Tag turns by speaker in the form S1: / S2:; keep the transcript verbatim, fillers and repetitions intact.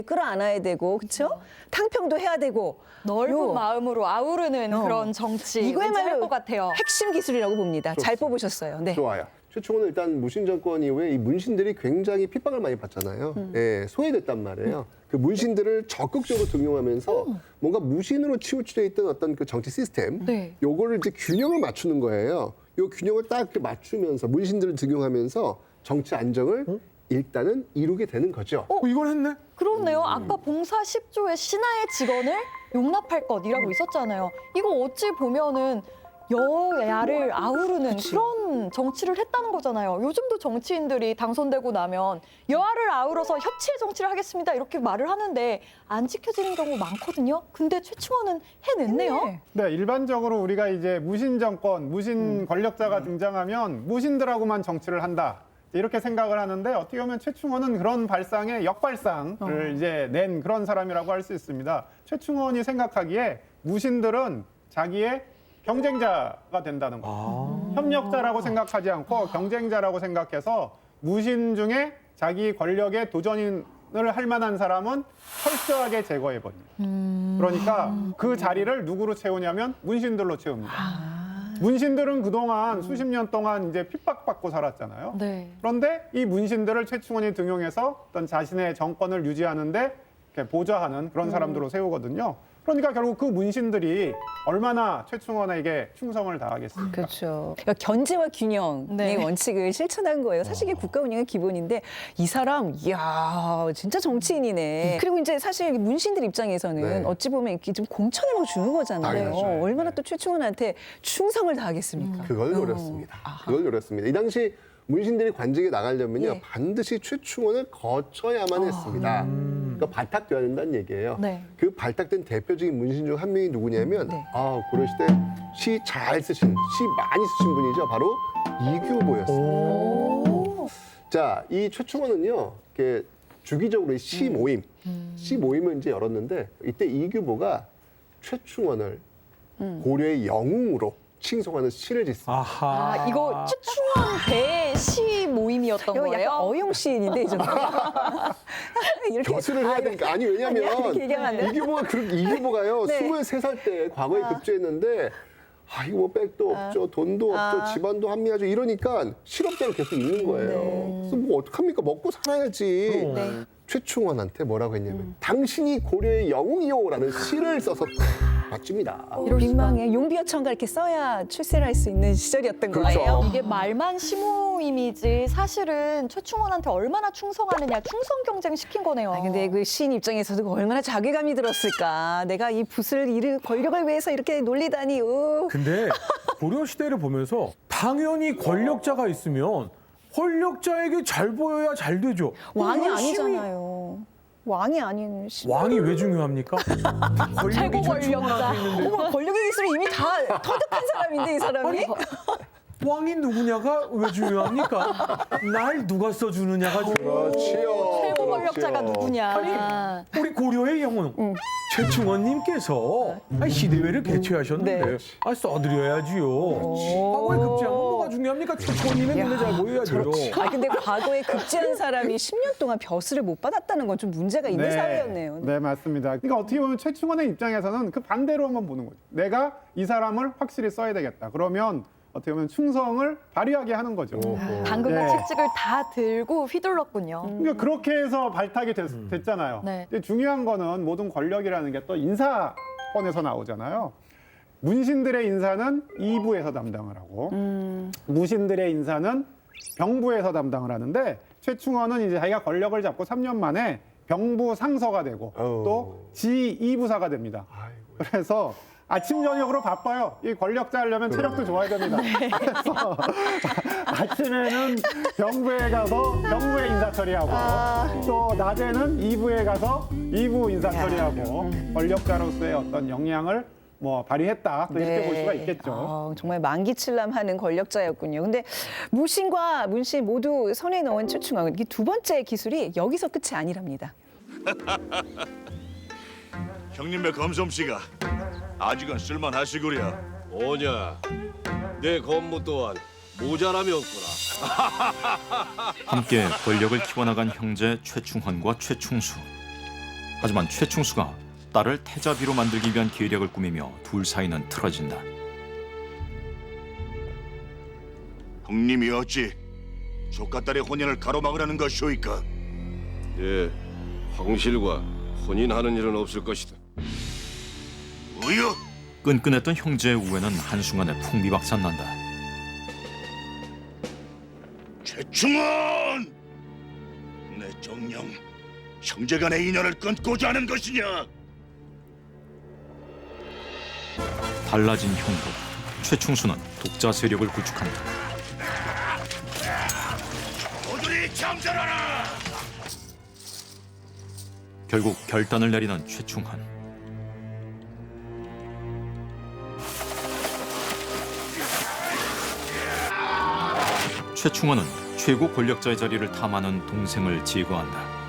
S1: 끌어안아야 되고, 그렇죠? 탕평도 해야 되고.
S2: 넓은
S1: 요.
S2: 마음으로 아우르는
S1: 어.
S2: 그런 정치
S1: 이거야말로
S2: 할것 같아요.
S1: 핵심 기술이라고 봅니다. 잘 뽑으셨어요. 네.
S3: 좋아요. 최충원은 일단 문신 정권 이후에 이 문신들이 굉장히 핍박을 많이 받잖아요.
S1: 음.
S3: 예, 소외됐단 말이에요. 그 문신들을 적극적으로 등용하면서 뭔가 무신으로 치우쳐져 있던 어떤 그 정치 시스템,
S2: 네.
S3: 요거를 이제 균형을 맞추는 거예요. 요 균형을 딱 이렇게 맞추면서 문신들을 등용하면서 정치 안정을 일단은 이루게 되는 거죠.
S4: 어, 이걸 했네?
S2: 그렇네요. 아까 봉사 십 조의 신하의 직원을 용납할 것이라고 있었잖아요. 이거 어찌 보면은 여야를 아우르는 그런 정치를 했다는 거잖아요. 요즘도 정치인들이 당선되고 나면 여야를 아우러서 협치의 정치를 하겠습니다 이렇게 말을 하는데 안 지켜지는 경우 많거든요. 근데 최충원은 해냈네요.
S4: 네, 일반적으로 우리가 이제 무신 정권, 무신 권력자가 등장하면 무신들하고만 정치를 한다. 이렇게 생각을 하는데 어떻게 보면 최충원은 그런 발상의 역발상을 이제 낸 그런 사람이라고 할 수 있습니다. 최충원이 생각하기에 무신들은 자기의 경쟁자가 된다는 거예요. 협력자라고 생각하지 않고 경쟁자라고 생각해서 무신 중에 자기 권력의 도전인을 할 만한 사람은 철저하게 제거해버립니다. 그러니까 그 자리를 누구로 채우냐면 문신들로 채웁니다. 문신들은 그동안 수십 년 동안 이제 핍박받고 살았잖아요.
S2: 네.
S4: 그런데 이 문신들을 최충원이 등용해서 어떤 자신의 정권을 유지하는데 이렇게 보좌하는 그런 사람들로 세우거든요. 그러니까 결국 그 문신들이 얼마나 최충원에게 충성을 다하겠습니까?
S1: 그렇죠. 그러니까 견제와 균형의
S2: 네.
S1: 원칙을 실천한 거예요. 사실 이게 국가 운영의 기본인데 이 사람, 이야, 진짜 정치인이네. 그리고 이제 사실 문신들 입장에서는
S3: 네.
S1: 어찌 보면 이렇게 좀 공천을 뭐 주는 거잖아요.
S3: 당연하죠.
S1: 얼마나 또 최충원한테 충성을 다하겠습니까?
S3: 그걸
S1: 어.
S3: 노렸습니다.
S1: 아하.
S3: 그걸 노렸습니다. 이 당시 문신들이 관직에 나가려면요
S1: 예.
S3: 반드시 최충원을 거쳐야만 했습니다. 그러니까 발탁되어야 된다는 얘기예요.
S2: 네.
S3: 그 발탁된 대표적인 문신 중 한 명이 누구냐면
S1: 네.
S3: 아 고려시대 시 잘 쓰신, 시 많이 쓰신 분이죠. 바로 이규보였습니다.
S1: 오.
S3: 자, 이 최충원은요, 이렇게 주기적으로 이 시 모임, 시 모임을 이제 열었는데 이때 이규보가 최충원을 고려의 영웅으로 칭송하는 시를 짓습니다.
S4: 아하.
S2: 아, 이거 최충원 배시 모임이었던
S1: 이거
S2: 거예요?
S1: 약간 어용 시인인데 이 정도. 이렇게
S3: 교수를 해야 되니까 아니
S1: 아니야,
S3: 왜냐면
S1: 이렇게 얘기하면 안 돼요?
S3: 이규보가 그 이규보가요
S1: 네.
S3: 스물세 살 때 과거에 급제했는데 아 이거 뭐 백도 없죠 돈도 없죠
S1: 아.
S3: 집안도 합리화죠 이러니까 실업자로 계속 있는 거예요.
S1: 네.
S3: 그래서 뭐 어떡합니까 먹고 살아야지.
S1: 네.
S3: 최충원한테 뭐라고 했냐면 당신이 고려의 영웅이요라는 시를 써서 바칩니다.
S1: 이럴 민망해. 용비어천가 이렇게 써야 출세를 할 수 있는 시절이었던
S3: 그렇죠.
S1: 거예요.
S2: 이게 말만 시모임이지 사실은 최충원한테 얼마나 충성하느냐 충성 경쟁 시킨 거네요.
S1: 아, 근데 그 시인 입장에서도 얼마나 자괴감이 들었을까. 내가 이 붓을 이를 권력을 위해서 이렇게 놀리다니. 으.
S5: 근데 고려 시대를 보면서 당연히 권력자가 있으면 권력자에게 잘 보여야 잘 되죠.
S1: 왕이
S5: 열심히-
S1: 아니잖아요. 왕이 아닌 시.
S5: 왕이 왜 중요합니까? 권력이
S2: 최고 권력자.
S5: 최충원한테 있는데
S1: 어머, 권력의 기술이 이미 다 터득한 사람인데 이 사람이.
S5: 왕이 누구냐가 왜 중요합니까? 날 누가 써주느냐가 중요해요.
S3: 그렇지요.
S2: 최고 권력자가
S3: 그렇지요.
S2: 누구냐.
S5: 우리 고려의 영웅 최충원님께서 아니, 시대회를 개최하셨는데
S1: 네.
S5: 아, 써드려야지요. 과거에 급제한 건 뭐가 중요합니까? 최충원님의 눈에 잘 보여야죠.
S1: 아 근데 과거에 급제한 사람이 십 년 동안 벼슬을 못 받았다는 건 좀 문제가 있는 사회였네요.
S4: 네, 맞습니다. 그러니까 어떻게 보면 최충원의 입장에서는 그 반대로 한번 보는 거죠. 내가 이 사람을 확실히 써야 되겠다. 그러면 어떻게 보면 충성을 발휘하게 하는 거죠.
S2: 당근과
S4: 네.
S2: 채찍을 다 들고 휘둘렀군요.
S4: 그러니까 그렇게 해서 발탁이 됐, 됐잖아요.
S2: 네.
S4: 근데 중요한 거는 모든 권력이라는 게 또 인사권에서 나오잖아요. 문신들의 인사는 이부에서 담당을 하고 무신들의 인사는 병부에서 담당을 하는데 최충원은 이제 자기가 권력을 잡고 삼 년 만에 병부 상서가 되고
S3: 어우.
S4: 또 지이부사가 됩니다.
S3: 아이고.
S4: 그래서 아침 저녁으로 바빠요. 이 권력자 하려면 체력도 좋아야 됩니다. 그래서 아침에는 병부에 가서 병부의 인사 처리하고 또 낮에는 이부에 가서 이부 인사 처리하고 권력자로서의 어떤 역량을 뭐 발휘했다. 또 이렇게 볼 수가 있겠죠.
S1: 아, 정말 만기칠람하는 권력자였군요. 근데 무신과 문신 모두 선에 넣은 최충원. 이 두 번째 기술이 여기서 끝이 아니랍니다.
S6: 형님의 검솜씨가 아직은 쓸만하시구려.
S7: 오냐, 내 건무 또한 모자람이 없구나.
S8: 함께 권력을 키워나간 형제 최충헌과 최충수. 하지만 최충수가 딸을 태자비로 만들기 위한 계략을 꾸미며 둘 사이는 틀어진다.
S6: 형님이 어찌 조카딸의 혼연을 가로막으라는 것이오이까?
S7: 예, 황실과 혼인하는 일은 없을 것이다.
S6: 뭐여?
S8: 끈끈했던 형제의 우애는 한순간에 풍비박산난다.
S6: 최충원! 내 정녕 형제간의 인연을 끊고자 하는 것이냐?
S8: 달라진 형도 최충수는 독자 세력을 구축한다.
S6: 모두리 잠자라라!
S8: 결국 결단을 내리는 최충헌. 최충헌은 최고 권력자의 자리를 탐하는 동생을 제거한다.